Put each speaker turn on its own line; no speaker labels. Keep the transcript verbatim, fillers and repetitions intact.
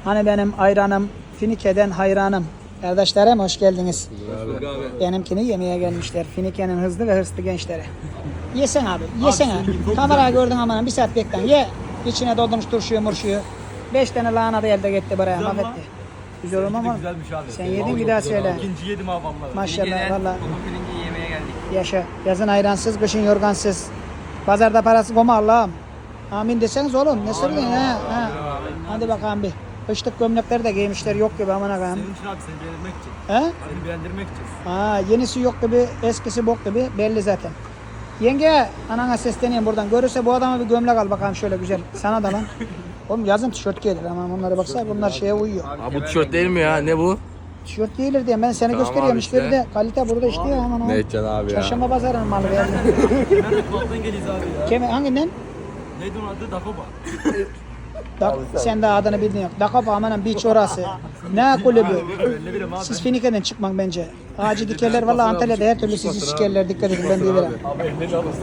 Hani benim ayranım, Finike'den hayranım. Kardeşlerim hoş geldiniz.
Abi. Abi.
Benimkini yemeye gelmişler. Finike'nin hızlı ve hırslı gençleri. Yesen abi, yesene. Kamerayı gördün aman bir saat beklen. Ye. İçine doldurmuş turşuyu murşuyu. Beş tane lahana da elde gitti buraya.
Güzel
Mahvetti.
lan.
Güzel olma mı?
Güzelmiş abi.
Sen yedin bir daha söyle.
İkinci yedim abi vallahi.
Maşallah valla.
Pirinci yemeye geldik.
Yaşa. Yazın ayransız, kışın yorgansız. Pazarda parası goma Allah'ım. Amin deseniz oğlum. Ne söylüyorsun ha? ha? Hadi bakalım bir. Kışlık gömlekleri de giymişler yok gibi aman akam.
Senin için abi seni beğendirmek için.
He?
Seni beğendirmek için.
Ha, yenisi yok gibi, eskisi bok gibi belli zaten. Yenge, anana sesleneyim buradan. Görürse bu adama bir gömlek al bakalım şöyle güzel. Sana da lan. Oğlum yazın tişört giyilir ama onlara baksana bunlar şeye uyuyor.
Abi bu tişört değil mi ya? Ne bu?
Tişört giyilir diye ben seni
Tamam
gösteriyorum
abi
işte.
işte.
Bir de kalite burada işte ya aman
Ne
aman.
edeceksin abi ya?
Çarşamba pazarının malı verdi.
Nerede kulaktan geliyiz abi ya.
Kemi hanginden?
Neydi onun adı? Dakoba.
Dak, sen de adını bildin yok. Dakapa amanın beach orası. Ne kulübü?
Belli birim abi.
Siz Finike'den çıkmak bence. Ağacı dikerler valla Antalya'da her türlü sizi sikerler dikkat edin ben diye vereyim.
Abi elini alın.